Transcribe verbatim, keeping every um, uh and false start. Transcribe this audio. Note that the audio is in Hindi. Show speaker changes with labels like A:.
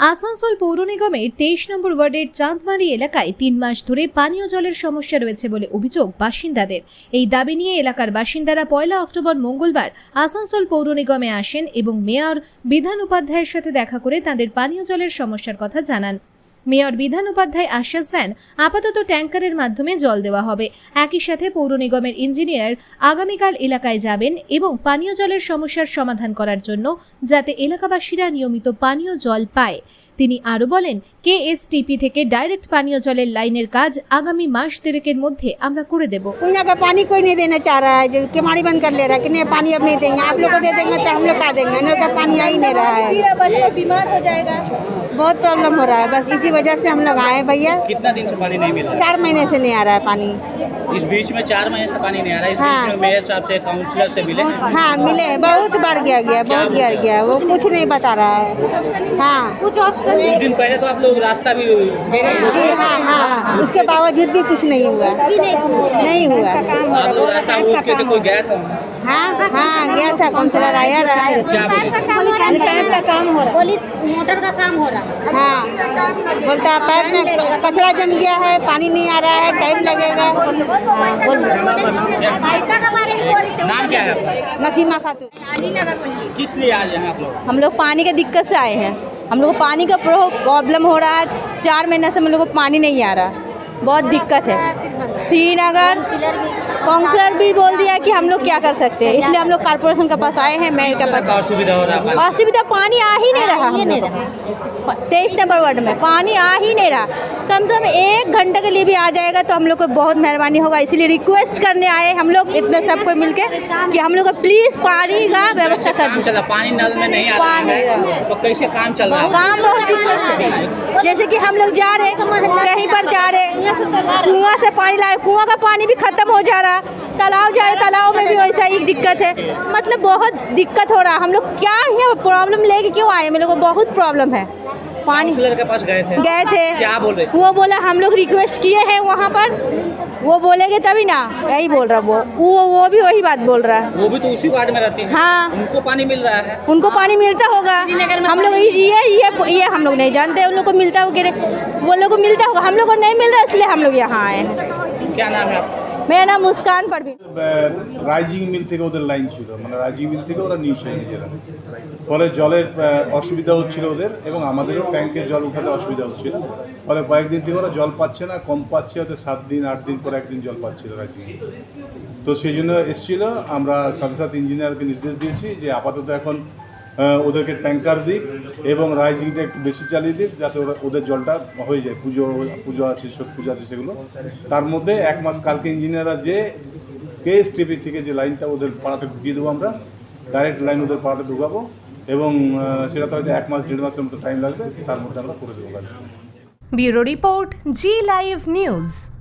A: আসানসোল পৌর নিগমের তেইশ নম্বর ওয়ার্ডের চাঁদমারি এলাকায় তিন মাস ধরে পানীয় জলের সমস্যা রয়েছে বলে অভিযোগ বাসিন্দাদের। এই দাবি নিয়ে এলাকার বাসিন্দারা পয়লা অক্টোবর মঙ্গলবার আসানসোল পৌর নিগমে আসেন এবং মেয়র বিধান উপাধ্যায়ের সাথে দেখা করে তাদের পানীয় জলের সমস্যার কথা জানান। মেয়র বিধান উপাধ্যায় আশ্বাস দেন আপাতত ট্যাঙ্কারের মাধ্যমে জল দেওয়া হবে। একই সাথে পৌর নিগমের ইঞ্জিনিয়ার আগামীকাল এলাকায় যাবেন এবং পানীয় জলের সমস্যার সমাধান করার জন্য যাতে এলাকাবাসীরা নিয়মিত পানীয় জল পায়। তিনি আরও বলেন, কেএসটিপি থেকে ডাইরেক্ট পানীয় জলের লাইনের কাজ আগামী মাস দেড়েকের মধ্যে আমরা করে দেব।
B: कुइया का पानी कोई नहीं देना चाह रहा है, जो केमाड़ी बंद कर ले रहा है कि नहीं पानी अब नहीं देंगे, आप लोग को दे देंगे तो हम लोग का देंगे। नल का पानी आ ही नहीं रहा है,
C: बीमार हो जाएगा।
B: बहुत प्रॉब्लम हो रहा है। बस इसी वजह से हम लोग आए भैया।
D: कितना दिन से पानी नहीं मिल रहा?
B: चार महीने से नहीं आ रहा है पानी।
D: इस बीच में चार महीने से पानी नहीं आ रहा है। इस
B: हाँ।
D: बीच में मेयर साहब से, काउंसलर से मिले?
B: हाँ मिले, बहुत बार गया गया बहुत गया गया वो कुछ नहीं बता रहा है। हाँ
C: कुछ ऑप्शन
D: कुछ दिन पहले तो आप लोग रास्ता भी
B: जी हाँ हाँ, उसके बावजूद भी कुछ नहीं हुआ,
C: भी नहीं
B: नहीं हुआ।
D: आप लोग रास्ता रोक के तो कोई गया था?
B: हाँ हाँ गया था, काउंसलर आया रहा है।
D: क्या बोले?
C: पंचायत का काम हो रहा है, पुलिस मोटर का काम हो रहा है।
B: हाँ बोलता है पैप में कचरा जम गया है, पानी नहीं आ रहा है, टाइम लगेगा। हाँ, बोल
C: पैसा हमारे
D: नाम क्या है आपका?
B: नसीमा खातून।
D: किस लिए आज यहाँ आप लोग?
E: हम लोग पानी की दिक्कत से आए हैं। हम लोग को पानी का प्रॉब्लम हो रहा है, चार महीने से हम लोग को पानी नहीं आ रहा, बहुत दिक्कत है। श्रीनगर काउंसलर भी बोल दिया कि हम लोग क्या कर सकते हैं, इसलिए हम लोग कॉर्पोरेशन के पास आए हैं, मेयर के पास।
D: क्या असुविधा हो रहा है?
E: असुविधा पानी आ ही नहीं रहा, तेईस नंबर वार्ड में पानी आ ही नहीं रहा। कम से कम एक घंटे के लिए भी आ जाएगा तो हम लोग को बहुत मेहरबानी होगा, इसलिए रिक्वेस्ट करने आए हम लोग इतने सबको मिलके कि हम लोग को प्लीज़ पानी का व्यवस्था कर
D: काम
E: दीजिए।
D: चला, पानी नल में नहीं आ रहा है तो कैसे काम चल रहा है?
E: काम बहुत दिक्कत से, जैसे कि हम लोग जा रहे कहीं पर जा रहे कुआं से पानी ला रहे, कुआं का पानी भी खत्म हो जा रहा, तालाब जा रहे तालाब में भी वैसा ही दिक्कत है। मतलब बहुत दिक्कत हो रहा। हम लोग क्या है प्रॉब्लम लेके क्यों आए, मेरे को बहुत प्रॉब्लम है। पानी
D: काउंसलर के पास गए थे?
E: गए थे,
D: क्या बोल रहे?
E: वो बोला हम लोग रिक्वेस्ट किए हैं वहाँ पर, वो बोलेंगे तभी ना, यही बोल रहा वो वो वो भी वही बात बोल रहा है।
D: वो भी तो उसी वार्ड में रहती है।
E: हाँ
D: उनको पानी मिल रहा है?
E: उनको पानी मिलता होगा, हम लोग ये ये ये हम लोग नहीं जानते उन लोग को मिलता होगा, वो लोग को मिलता होगा, हम लोग को नहीं मिल रहा, इसलिए हम लोग यहाँ आए हैं।
D: क्या नाम है आपका?
E: मेरा नाम मुस्कान परवीन।
F: রাইজিং মিল থেকে ওদের লাইন ছিল, মানে রাইজিং মিল থেকে ওরা নিয়েছে নিজেরা, ফলে জলের অসুবিধা হচ্ছিল ওদের এবং আমাদেরও ট্যাঙ্কের জল উঠাতে অসুবিধা হচ্ছিল। ফলে কয়েকদিন থেকে ওরা জল পাচ্ছে না, কম পাচ্ছে, হয়তো সাত দিন আট দিন পর একদিন জল পাচ্ছিল রাইজিং। তো সেই জন্য এসেছিল, আমরা সাথে সাথে ইঞ্জিনিয়ারকে নির্দেশ দিয়েছি যে আপাতত এখন ওদেরকে ট্যাঙ্কার দিক এবং রাইজিংটা একটু বেশি চালিয়ে দিক, যাতে ওরা ওদের জলটা হয়ে যায়। পুজো পুজো আছে, সব পুজো আছে, সেগুলো তার মধ্যে এক মাস কালকে ইঞ্জিনিয়াররা যে কেএসটিপি থেকে যে লাইনটা ওদের পাড়াতে ঢুকিয়ে দেবো, আমরা ডাইরেক্ট লাইন ওদের পাড়াতে ঢুকাবো এবং সেটা তো হয়তো এক মাস দেড় মাসের মতো টাইম লাগবে, তার মধ্যে আমরা করে দেবো কাজ।
A: Bureau report, Zee live news.